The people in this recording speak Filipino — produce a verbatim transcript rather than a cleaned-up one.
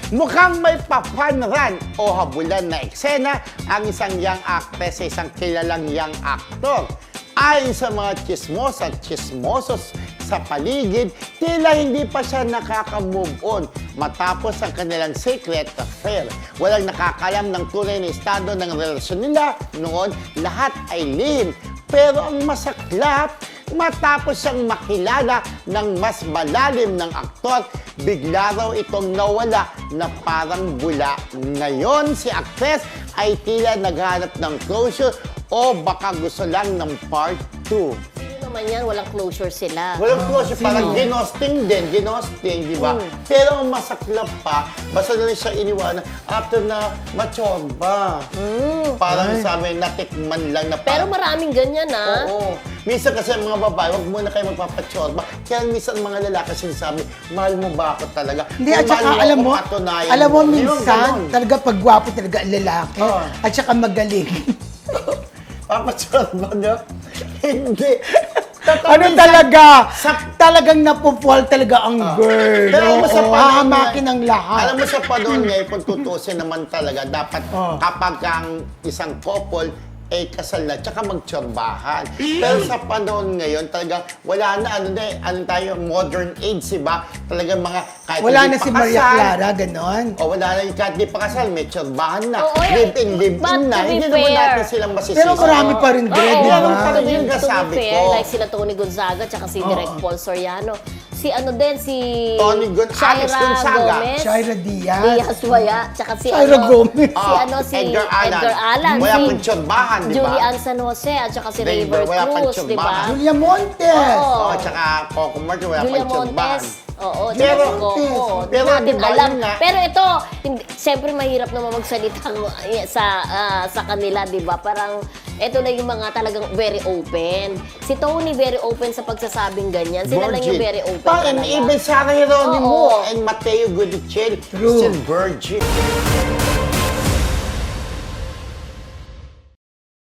Mukhang may papanran o habulan na eksena ang isang young actress sa isang kilalang young actor. Ayon sa mga chismos at chismosos sa paligid, tila hindi pa siya nakaka-move on matapos ang kanilang secret affair. Walang nakakalam ng tunay na estado ng relasyon nila noon, lahat ay lihim. Pero ang masaklap, matapos siyang makilala ng mas malalim ng aktor, bigla raw itong nawala na parang bula. Ngayon, si actress ay tila naghanap ng closure o baka gusto lang ng part two. Sino naman yan? Walang closure sila. Walang closure, Sino? parang ginosting din, ginosting, di ba? Mm. Pero ang masaklap pa, basta na rin siya iniwanan after na machorba. Mm. Parang Ay. sabi, natikman lang na Pero parang- maraming ganyan, ah. Oo. Minsan kasi ang mga babae, huwag muna kayo magpapachorba. Kaya minsan mga lalaki sinasabi, mahal mo ba ako talaga? Hindi, Kung at saka mahal alam ako, mo, patunayan alam mo Yung minsan, ganon. talaga pagwapo talaga ang lalaki. Oo. At saka magaling. Papachorba niya? Hindi. Totoo, ano minsan, talaga? sa- Talagang napupwal talaga ang girl. Pero alam mo sa Oo, panahon hahamakin ngayon- ang lahat. Alam mo sa panahon ngayon, kung tutusin naman talaga, dapat Oh. kapag ang isang couple eh kasal na, tsaka magtsorbahan. Pero sa panahon ngayon, talaga wala na, ano na eh, ano tayo, modern age, diba? Talagang mga, kahit Wala hindi na pa si Maria kasal, Clara, ganon. o wala na, kahit di pa kasal, may tsorbahan na. Oo, eh, Live-in, live-in but na. to be Hindi naman fair- natin silang masisisi. Pero marami pa rin, Dre, Oo, di Yan ang ba? talaga yung to be kasabi fair, ko. like sila Tony Gonzaga tsaka si Direk Paul Soriano. Si ano din, si Tony Gon- Alex Shaira Gonzaga. Gomez. Shaira Diaz. Diaz Waya. Tsaka si Shaira ano, Gomez. Si Ah, ano, si Edgar Allan. Edgar Allan. Wala si pang tsorbahan, di ba? Julian San Jose at saka si Raver, Raver wala pang Cruz, di ba? tsorbahan. Julia Montes. Oo. Oh, tsaka Coco Martin, wala Julia pang tsorbahan. Montes. Oo, Pero- tsaka si Coco. Di pero natin diba, alam. yun nga. Pero ito, hindi, siyempre mahirap naman magsalita sa ah, sa kanila, di ba? Parang, ito na yung mga talagang very open. Si Tony very open sa pagsasabing ganyan. Sila lang yung Virgin. very open Pa, and talaga. even Sarah Geronimo Oo. and Mateo Gutierrez, True. still virgin.